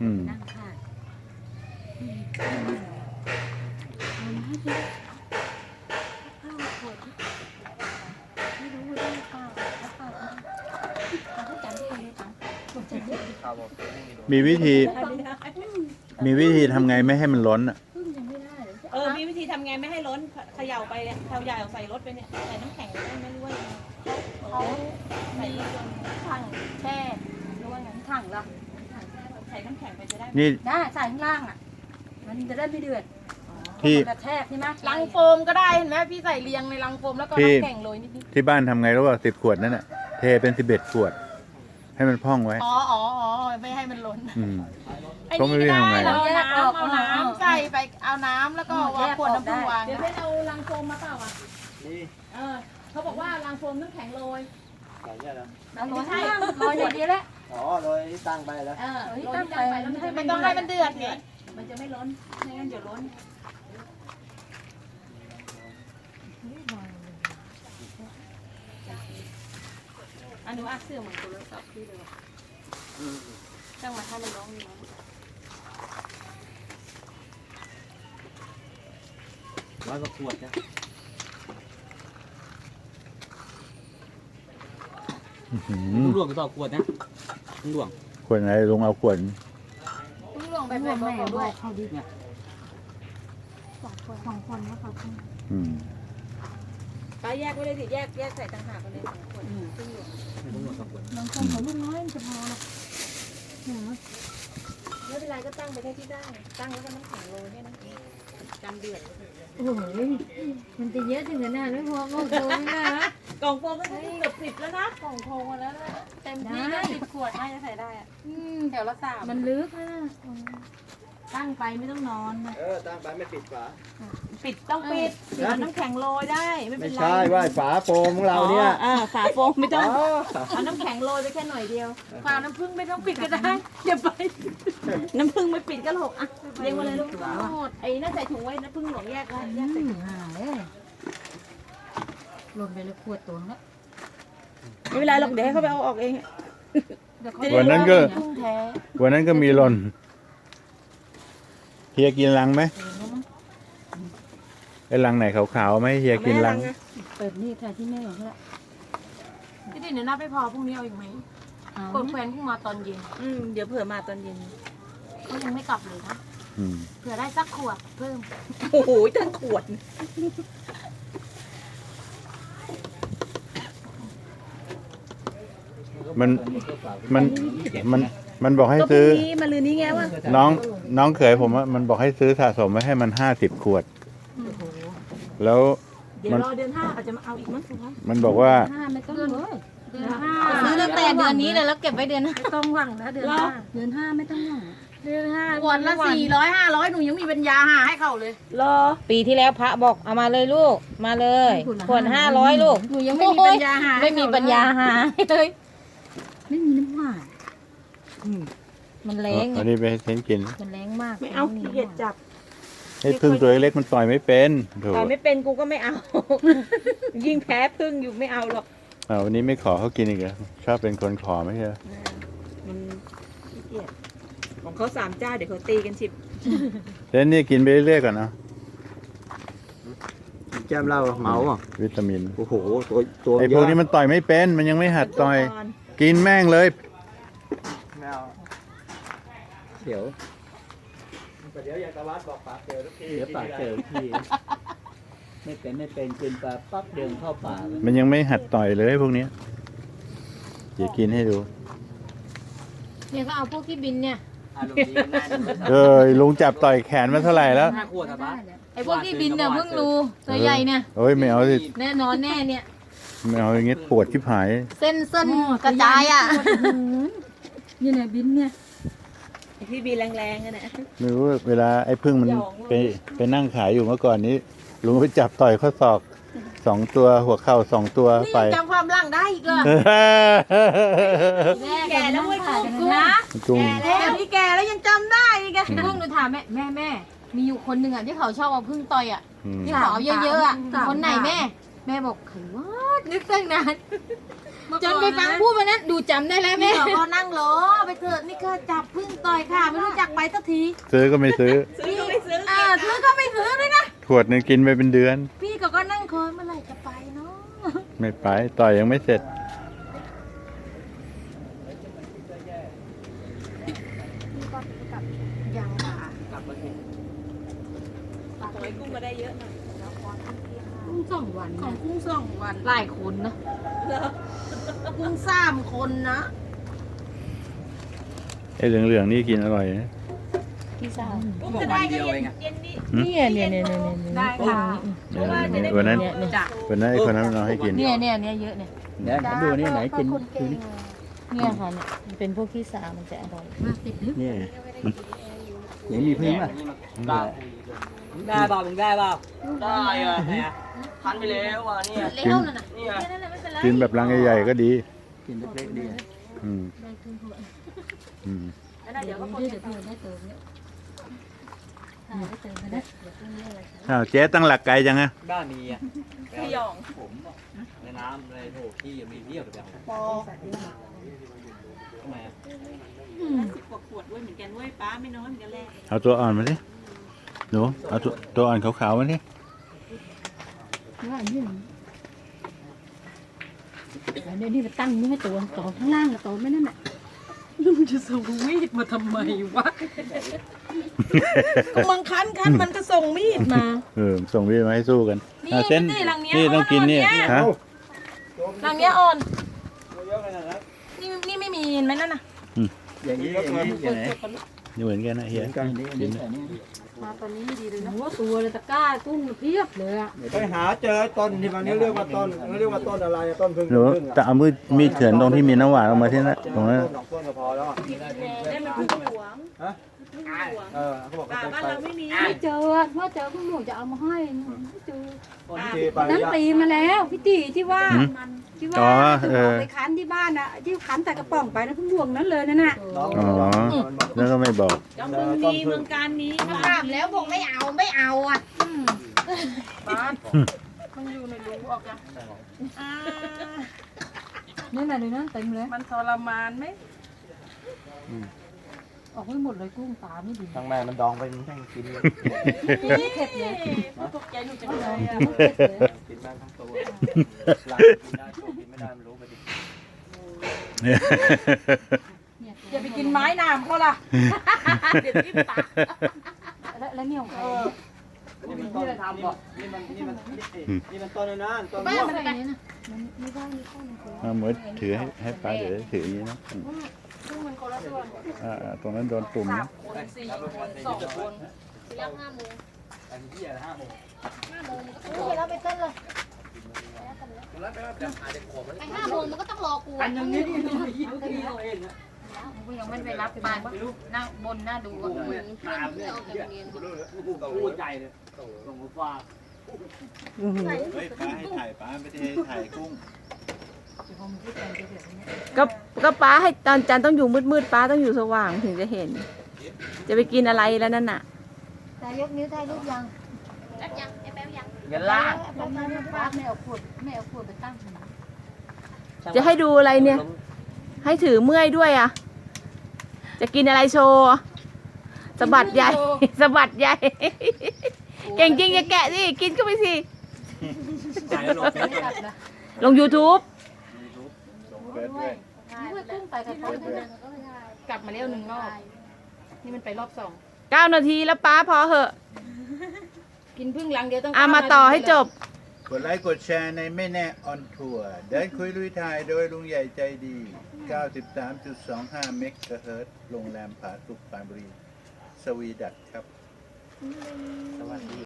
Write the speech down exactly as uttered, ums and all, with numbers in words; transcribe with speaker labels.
Speaker 1: นั่งค่ะเอามาให้ดิข้าวขวดไม่รู้ได้เปล่าเปล่าเขาจำได้เลยค่ะ
Speaker 2: มีวิธีมีวิธีทำไงไม่ให้มันล้นอ่ะ
Speaker 3: เออมีวิธีทำไงไม่ให้ล้นเขย่าไปเนี่ยเขย่าใส่รถไปเนี่ยใส่น้ำแข็งได้ไหมหรือว่าเขาใส่
Speaker 1: ถั
Speaker 3: ถัง
Speaker 1: งแช่หรือว่าไงถังเหรอ
Speaker 3: ใส่น้ำแข็งไปจะได้
Speaker 2: นี่
Speaker 1: ได้ใส่ข้างล่างอ่ะมันจะได้ไม่เดือด
Speaker 2: ที่
Speaker 1: กระแทกใช่ไหม
Speaker 3: ลังโฟมก็ได้เห็นไหมพี่ใส่เรียงในลังโฟมแล้วก็น้ำแข็งโรยนิด
Speaker 2: ที่บ้านทำไงรู้ป่ะสิบขวดนั่นน่ะเทเป็นสิบเอ็ดขวด ให้มันพองไว้
Speaker 3: ๆอ๋ออ๋ออ๋อไม่ให้มันล้น
Speaker 2: อืม
Speaker 3: ไอ้
Speaker 2: ก็
Speaker 3: นี่
Speaker 2: ไม่
Speaker 3: ก็
Speaker 2: รู้
Speaker 3: ได้
Speaker 2: ทำไง
Speaker 3: เราเอาน้ำเอาน้ำใส่ไปเอาน้ำแล้วก็วางขวดน้ำผึ้งวางเดี๋ยวให้เอาลังโฟมมาเปล่าอ่ะ
Speaker 4: นี่
Speaker 3: เออเขาบอกว่าลังโฟมน้ำแข็งโรย
Speaker 4: ใส่เนี่ยนะ
Speaker 1: เอาร้อยข้างล่างร้อยอย่างเดียวแหละ
Speaker 4: อ๋อโดยตั้งไปแล้ว
Speaker 3: เออโรยตั้งไปแล้วมันจะไม่ต้องให้มันเดือดเนี่ยมันจะไม่ล้นไม่งั้นเดี๋ยวล้นอันนู้นอ่ะเสื้อเหมือนตัวรถสับพี่เลยตั้งมาให้มันร้องอยู่นะ
Speaker 4: ร้อยกว่าขวดนะ
Speaker 2: อื้อหื
Speaker 4: ลุ
Speaker 2: อง
Speaker 4: หลวงกี่ต่อขวดนะลุงหลวง
Speaker 2: ขวดไหนลุงเอาขวด
Speaker 3: ต้องลงไปแบบบอกด้วย
Speaker 1: เขาดิสองคนสองคนนะคะ
Speaker 2: อืม
Speaker 3: ป้าแยกไว้เลยสิแยกแยกใส่ต่างหากกันเลยสองคนซึ่งอยู่
Speaker 4: ลุงหลวงสองขวด
Speaker 1: บางคนเขาลูกน้อยมันจะพอหรอก
Speaker 3: ไม่เป็นไรก็ตั้งไปแค่ที่ได้ตั้งแล้วก็น้ำแข็งโรยแค่นั้นเองจำเดือด
Speaker 1: โอ้โหมันจะเยอะถึงขนาดไม่พอก็โกงนะ
Speaker 3: กล่องโฟมก็เกือบสิบแล้วนะกล่องโฟมมาแล้วเต็มที่ก็สิบขวดน่าจะใส่ได้อะแถวละสาม
Speaker 1: มันลึกนะ
Speaker 3: ตั้งไปไม่ต้องนอนนะ
Speaker 4: เออตั้งไปไม่ปิดฝา
Speaker 3: ปิดต้องปิดเอาน้ำแข็งโรยได้ไม่เป็
Speaker 4: ไม่
Speaker 3: นไร
Speaker 4: ใช่ว่าฝาโฟมของเราเนี่ย
Speaker 3: อ่าฝาโฟมไม่ต้อง
Speaker 4: อ๋อ
Speaker 3: เอาน้ำแข็งโรยไปแค่หน่อยเดียวฝาน้ำผึ้งไม่ต้องปิดก็ได้เดี๋ยวไป น้ำผึ้งไม่ปิดก็หกอ่ะเรียงมาเลยลูกหมดไอ้น่าใส่ถุงไว้น้ำผึ้งหลวงแยกไว้แยกใส่ถุง
Speaker 1: หาเลยรวมไปเลยขวดตัวแล้ว
Speaker 3: ไม่เป็นไรหรอกเดี๋ยวให้เขาไปเอาออกเอง
Speaker 2: วันนั้นก็
Speaker 3: ผึ้งแท้
Speaker 2: วันนั้นก็มีหล่นเฮียกินลังไหมไอ้ลังไหนขาวๆไหมเฮียกินลัง
Speaker 1: เปิดนี่ค่ะที่แม่ของเขา
Speaker 3: พี่ดินเดี๋ยวนับไม่พอพรุ่งนี้เอาอีกไหม
Speaker 1: กดแฟนขึ้นมาตอนเย็น
Speaker 3: อืมเดี๋ยวเผื่อมาตอนเย็น
Speaker 1: เขายังไม่กลับเลยนะ
Speaker 2: อืม
Speaker 1: เผื่อได้สักขวดเพิ่ม
Speaker 3: โอ้โหตั้งขวด
Speaker 2: มันมันมันมันบอกให้ซื้อ
Speaker 3: ก็พรุ่งนี้มาลืนนี้ไงวะ
Speaker 2: น้องน้องเขยผมว่ามันบอกให้ซื้อสะสมไว้ให้มันห้าสิบขวด แล้ว
Speaker 3: เดี๋ยวรอเดือนห้าอาจจะมาเอาอีกมั้งคุณคะ
Speaker 2: มันบอกว่า
Speaker 1: ห้าไม่ต้องเลยเดือนห้า
Speaker 5: ซื้อตั้งแต่เดือนนี้เลยแล้วเก็บไว้เดือนหน้า
Speaker 1: ไม่ต้องหวังนะเดือนห้าเดือนห้าไม่ต้องหวังเดือนห้า
Speaker 3: ขวดละสี่ร้อยห้าร้อยหนูยังมีปัญญาหาให้เขาเลยรอ
Speaker 5: ปีที่แล้วพระบอกเอามาเลยลูกมาเลยขวดห้าร้อยลูก
Speaker 3: หนูยังไม่มีปัญญาหา
Speaker 5: ไม่มีปัญญาหาเลย
Speaker 1: ไม่มีน้ำหวาน
Speaker 5: มันแรง
Speaker 2: อันนี้ไปให้เซนกิน
Speaker 5: มันแรงมาก
Speaker 3: ไม่เอาขี้เกียจจับ
Speaker 2: ให้พึ่งตัวเล็กๆมันต่อยไม่เป็นโถ
Speaker 3: ต่อยไม่เป็นกูก็ไม่เอา ยิ่งแพ้พึ่งอยู่ไม่เอาหรอก
Speaker 2: อ่าวันนี้ไม่ขอเขากินอีกเหรอชอบเป็นคนขอไม่ใช่เหรอ
Speaker 3: มันขี้เกียจของเขาสามเจ้าเดี๋ยวเขาตีกันสิบ
Speaker 2: เซนนี่กินไปเรื่อยๆก่อนเนาะ
Speaker 4: แก้มเหล้าเมาอ่ะ
Speaker 2: วิตามิน
Speaker 4: โอ้โหตัวตัว
Speaker 2: ไอ้พวกนี้มันต่อยไม่เป็นมันยังไม่หัดต่อย กินแม่งเลย
Speaker 4: ไม่เอาเดี๋ยวเดี๋ยวอยากตะวัดบอกปากเจอทุกทีเดี๋ยวปากเจอทีไม่เป็นไม่เป็นกินปลาปั๊บเดินเข้าป่าเลย
Speaker 2: มันยังไม่หัดต่อยเลยพวกเนี้ยเดี๋ยวกินให้ดู
Speaker 5: เนี่ยก็เอาพวกที่บินเนี่ย
Speaker 4: อารมณ์ดีกันได้
Speaker 2: เออลุงจับต่อยแขนมาเท่าไหร่แล้ว
Speaker 4: ห้าขวดอะปะ
Speaker 5: ไอ้พวกที่บินเนี่ยเพิ่งรู้ตัวใหญ่เนี่ย
Speaker 2: เอ้ยไม่เอาสิ
Speaker 5: แน่นอนแน่เนี่ย
Speaker 2: ไม่เอาอย่างงี้ปวดชิบหาย
Speaker 5: เส้นเส้นกระจายอ่ะ
Speaker 1: นี่เนี่ยบินเนี่ย
Speaker 3: พี่บีแรงๆกันนะ
Speaker 2: ไม่รู้เวลาไอ้พึ่งมันไปไปนั่งขายอยู่เมื่อก่อนนี้ลุงไปจับต่อยข้อศอกสองตัวหัวเข่าสองตัว
Speaker 3: นี่
Speaker 2: ไป
Speaker 3: ยังจำความร่างได้อีกเหรอแก่แล้วเว้ยกูนะ
Speaker 2: จุง
Speaker 3: แก่แล้วพี่แก่แล้วยังจำได้อีกอะ
Speaker 5: พึ่งหนูถามแม่แม่แม่มีอยู่คนหนึ่งอ่ะที่เขาชอบเอาพึ่งต่อยอ่ะ
Speaker 2: อืม
Speaker 5: ที่เขาเอาเยอะๆอ่ะคนไหนแม่ แม่บอกใครวะนึกตั้งนานจนไปฟังพูดวันนั้นดูจำได้แล้วแม่
Speaker 3: พี่ก็นั่งรอไปเถิดนี่ก็จับพึ่งต่อยค่ะไม่รู้จักไปสักที
Speaker 2: ซื้อก็ไม่ซื้อ
Speaker 3: ซื้อก็ไม่ซื้ออ่าซื้อก็ไม่ซื้อด้วยนะ
Speaker 2: ขวดหนึงกินไปเป็นเดือน
Speaker 3: พี่ก็ก็นั่งคอยเมื่อไหร่จะไปเนาะ
Speaker 2: ไม่ไป ต่อยยังไม่เสร็จ
Speaker 3: พี่ก็กับยังค่ะ
Speaker 1: ขอให้กุ้งมาได้เยอะหน่อย
Speaker 5: กุ้งสองวัน
Speaker 3: ของกุ้งสองวัน
Speaker 5: หลายคนเนาะ
Speaker 3: กุ้งสามคนนะ
Speaker 2: ไอ้เหลืองๆนี่กินอร่อยนะ
Speaker 5: พี่สาว
Speaker 1: กุ้งจะได้ก็เย็นเย็นนี่
Speaker 5: เนี่ยเนี่ยเนี่ยเนี่ยเนี่ย
Speaker 3: ได้ค่ะ
Speaker 2: เดี๋ยววันนั้น
Speaker 5: เนี่ยเนี่ย
Speaker 3: จ้ะ
Speaker 2: วันนั้นไอ้คนนั้นเราให้กิน
Speaker 5: เนี่ยเนี่ยเนี่ยเยอะเนี่ย
Speaker 4: เดี๋ยวฉันดูนี่ไหนกินดูนี่
Speaker 5: เนี่ยค่ะเนี่ยมันเป็นพวกขี้สามันจะอร่อย
Speaker 4: เนี่ยไหนมีพึ่งป่ะ
Speaker 6: ได้ได้เปล่ามึงได้เปล่าได้อะเนี่ยพันไปแล้วอ่ะเนี่ย
Speaker 3: เลี้ยวนั่นน่ะ
Speaker 6: เนี่ย
Speaker 3: นั่นน่ะไม่เป็นไร
Speaker 2: กินแบบรังใหญ่ๆก็ดี
Speaker 4: กินเล็กๆดี
Speaker 2: อืมอืม
Speaker 3: เดี๋ยวก็คนจะ
Speaker 2: อ้าวเจ๊ตั้งหลักไกลจังอะ
Speaker 6: บ้านมีอ่ะ
Speaker 1: พี่หยอง
Speaker 6: ผมอะในน้ำในโถที่มีเรียบแบบทำไมอ่ะ
Speaker 1: สิบกว่าขวดด้วยเหมือนกันด้วยป้าไม่น้อยเหมือนกันแหละ
Speaker 2: เอาตัวอ่อนมาสิหนูเอาตัวตัวอ่อนขาวๆมาสิ
Speaker 5: ว่าอันนี้อันนี้นี่ไปตั้งนี่ให้ตัวต่อข้างล่างกับต่อไม่นั่นแหละ
Speaker 3: ลุงจะส่งมีดมาทำไมวะ ก็มันคันคันมันก็ส่งมีดมา
Speaker 2: เออส่งพี่มาให้สู้กัน
Speaker 3: นี่
Speaker 2: อ่ะเส้น
Speaker 3: นี่รังเนี้ย
Speaker 2: นี่ต้องกินนี่
Speaker 3: อ่อนๆเนี่ย
Speaker 2: ฮะ
Speaker 3: รังเนี้ยอ่อน
Speaker 6: เยอะขนาดนั้น
Speaker 3: นี่นี่ไม่มีเห็นไหมนั่นน่ะ
Speaker 4: อย่างนี้อย่างนี้อย่างไหน
Speaker 2: นี่เหมือนกันนะเฮีย
Speaker 4: กันนี้อันนี้อันนี้
Speaker 3: มาตอนนี้ไม่ดีเลยนะ
Speaker 5: หัวตัวเลยตะกร้ากุ้งเพียบเลยอ่ะ
Speaker 7: ไปหาเจอต้นที่มันเรียกว่าต้นเขาเรียกว่าต้นอะไรอะต้นพึ่ง
Speaker 2: หนู
Speaker 7: พึ่ง
Speaker 2: จะเอามือมีดเฉือนตรงที่มีน้ำหวานออกมาที่นั่นตรงนั้น
Speaker 7: ต้นดอกต้นก็พอแล้วอะ
Speaker 1: ได้มันพึ่งหลวง
Speaker 7: ฮะ
Speaker 1: พึ่งหลวง
Speaker 7: เออเขาบอก
Speaker 1: ป่า
Speaker 7: เขา
Speaker 1: บ้าน
Speaker 7: ไป
Speaker 1: เราไม่มี
Speaker 5: ไม่เจอว่าเจอคุณหนูจะเอามาให้ไม่เจอ
Speaker 7: ต้นที่ไป
Speaker 8: นั้น
Speaker 7: ยะ
Speaker 8: ปีมาแล้วพี่ตีที่ว่า
Speaker 2: หืม
Speaker 8: ที่
Speaker 2: อ๋
Speaker 8: ว่า
Speaker 2: อเออ
Speaker 8: ไปคั้นที่บ้านอ่ะที่คั้นแต่กระป๋องไปนะพุ่งดวงนั้นเลยนั่นน่ะ
Speaker 7: น้อง
Speaker 2: อ๋อ แล้วก็ไม่บอก
Speaker 1: จอมบึงมีเมืองการมีค่ะ
Speaker 3: ถามแล้วบอกไม่เอาไม่เอาอ่ะ
Speaker 1: มันอยู่ในรูออกจ้ะ
Speaker 3: อ่า
Speaker 5: นี่นน่ะเลยนะเต็มเลย
Speaker 3: มันทรมานไหม
Speaker 5: ออกไม่หมดเลยกุ้งตาไม่ดี
Speaker 7: ทั้งแม่มันดองไปมันแม่งกินเลย
Speaker 5: เผ็ดเลย
Speaker 1: ตกใจหนูจังเลยอ่ะ
Speaker 5: เผ็ดเลย
Speaker 7: กินแม่งทั้งตัวหลังกินได้ตัวกินไม่ได้ไม่รู้ไปดิ
Speaker 3: อย่าไปกินไม้น้ำเขาล่ะ
Speaker 1: เดี๋ยวที่ปาก
Speaker 5: แล้วแล้วเนี่ยของใคร
Speaker 7: นี่มันต้นทำบอกนี่มันนี่มันนี่มันต้นนะต้น
Speaker 3: แม่
Speaker 7: ม่วง
Speaker 3: มันไป
Speaker 2: เอาหมดถือให้ให้ป้าเดี๋ยวถืออย่างนี้นะอืม
Speaker 3: ซึ่งมันคนละส่วน
Speaker 2: อ่าๆตรงนั้นโดนปุ่ม
Speaker 3: สา
Speaker 2: นะ
Speaker 3: มคนสี่คนสองคน
Speaker 7: อันที่อะไรห้าโมง
Speaker 3: แล้วไปเต้นเลย
Speaker 7: ไอ้
Speaker 3: ห้าโมงมันก็ต้องรอกู
Speaker 7: อันอย่างนี้นี่นี่ยี่สิบปีเราเองนะ
Speaker 5: กูยังไม่ไปรับปานหน้าบนหน้าดูอ่ะ
Speaker 7: ตามเนี่ยกูกับกูใจเลยส่งกูฟ้า
Speaker 2: เฮ้ยป้าให้ถ่ายป้าไม่ได้ให้ถ่ายกุ้ง
Speaker 3: ก็ก็ป้าให้ตอนจันต้องอยู่มืดๆป้าต้องอยู่สว่างถึงจะเห็น จะไปกินอะไรแล้วนั่นน่ะ
Speaker 8: แต่ยกนิ้วถ่ายรูปยัง
Speaker 6: เงินล้าน
Speaker 8: ป้าป้าไม่เอาขวดไม่เอาขวดไปตั้ง
Speaker 3: จะให้ดูอะไรเนี่ย ให้ถือเมื่อยด้วยอ่ะ จะกินอะไรโชว์สะบัดใหญ่ สะบัดใหญ่ เก่งจริงอย่าแกะสิ กินก็ไปสิ
Speaker 6: จ่ายแล้วลงเฟซ
Speaker 3: ลง YouTube
Speaker 2: เปิดด้วย
Speaker 5: ด้วยกุ้งไปกับเขากลับมาเร็วหนึ่งรอบ นี่มันไปรอบสอง
Speaker 3: เก้านาทีแล้วป้าพอเหอะ
Speaker 5: กินพึ่งลังเดียวต้อง
Speaker 3: อามาต่อให้จบ
Speaker 2: กดไลค์กดแชร์ในไม่แน่ออนทัวร์เดินคุยลุยถ่ายโดยลุงใหญ่ใจดี เก้าสิบสามจุดสองห้า เมกะเฮิรตซ์โรงแรมผาสุกปรานบุรี สวีดัตครับ
Speaker 7: สวัสดี